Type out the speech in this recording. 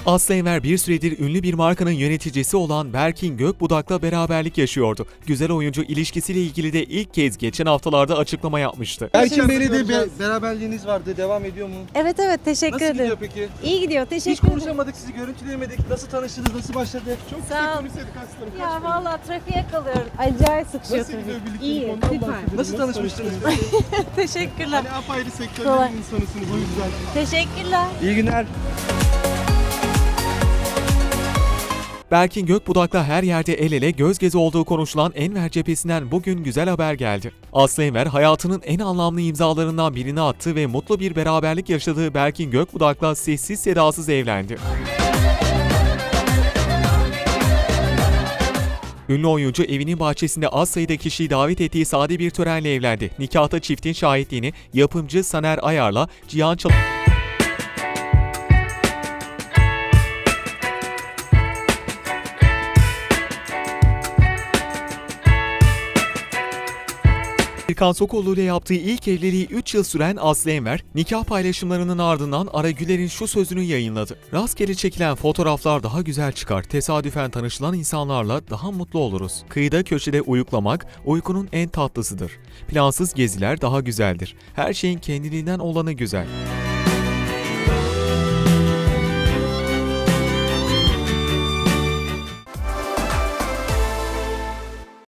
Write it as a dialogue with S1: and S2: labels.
S1: Aslı Enver bir süredir ünlü bir markanın yöneticisi olan Berkin Gökbudak'la beraberlik yaşıyordu. Güzel oyuncu ilişkisiyle ilgili de ilk kez geçen haftalarda açıklama yapmıştı.
S2: Berkin Bey'le de beraberliğiniz vardı. Devam ediyor mu?
S3: Evet teşekkür
S2: Nasıl
S3: ederim.
S2: gidiyor peki?
S3: İyi gidiyor,
S2: Hiç
S3: teşekkür ederim.
S2: konuşamadık, sizi görüntüleyemedik. Nasıl tanıştınız, nasıl başladı? Çok
S3: Sağ ol.
S2: konuşsaydık aslında.
S3: Ya vallahi trafiğe kalıyorum. Acayip sıkışıyor
S2: Nasıl gidiyor
S3: trafik.
S2: birliktelik?
S3: İyi,
S2: Ondan
S3: süper.
S2: bahsedelim. Nasıl tanışmıştınız?
S3: Teşekkürler.
S2: Hani apayrı
S3: Kolay.
S2: sektörlerin insanısınız o yüzden.
S3: Teşekkürler.
S2: İyi günler.
S1: Berkin Gökbudak'la her yerde el ele göz göze olduğu konuşulan Enver cephesinden bugün güzel haber geldi. Aslı Enver hayatının en anlamlı imzalarından birini attı ve mutlu bir beraberlik yaşadığı Berkin Gökbudak'la sessiz sedasız evlendi. Ünlü oyuncu evinin bahçesinde az sayıda kişiyi davet ettiği sade bir törenle evlendi. Nikahta çiftin şahitliğini yapımcı Saner Ayar'la Cihan Erkan Sokollu ile yaptığı ilk evliliği 3 yıl süren Aslı Enver, nikah paylaşımlarının ardından Ara Güler'in şu sözünü yayınladı. Rastgele çekilen fotoğraflar daha güzel çıkar, tesadüfen tanışılan insanlarla daha mutlu oluruz. Kıyıda köşede uyuklamak, uykunun en tatlısıdır. Plansız geziler daha güzeldir. Her şeyin kendiliğinden olanı güzel.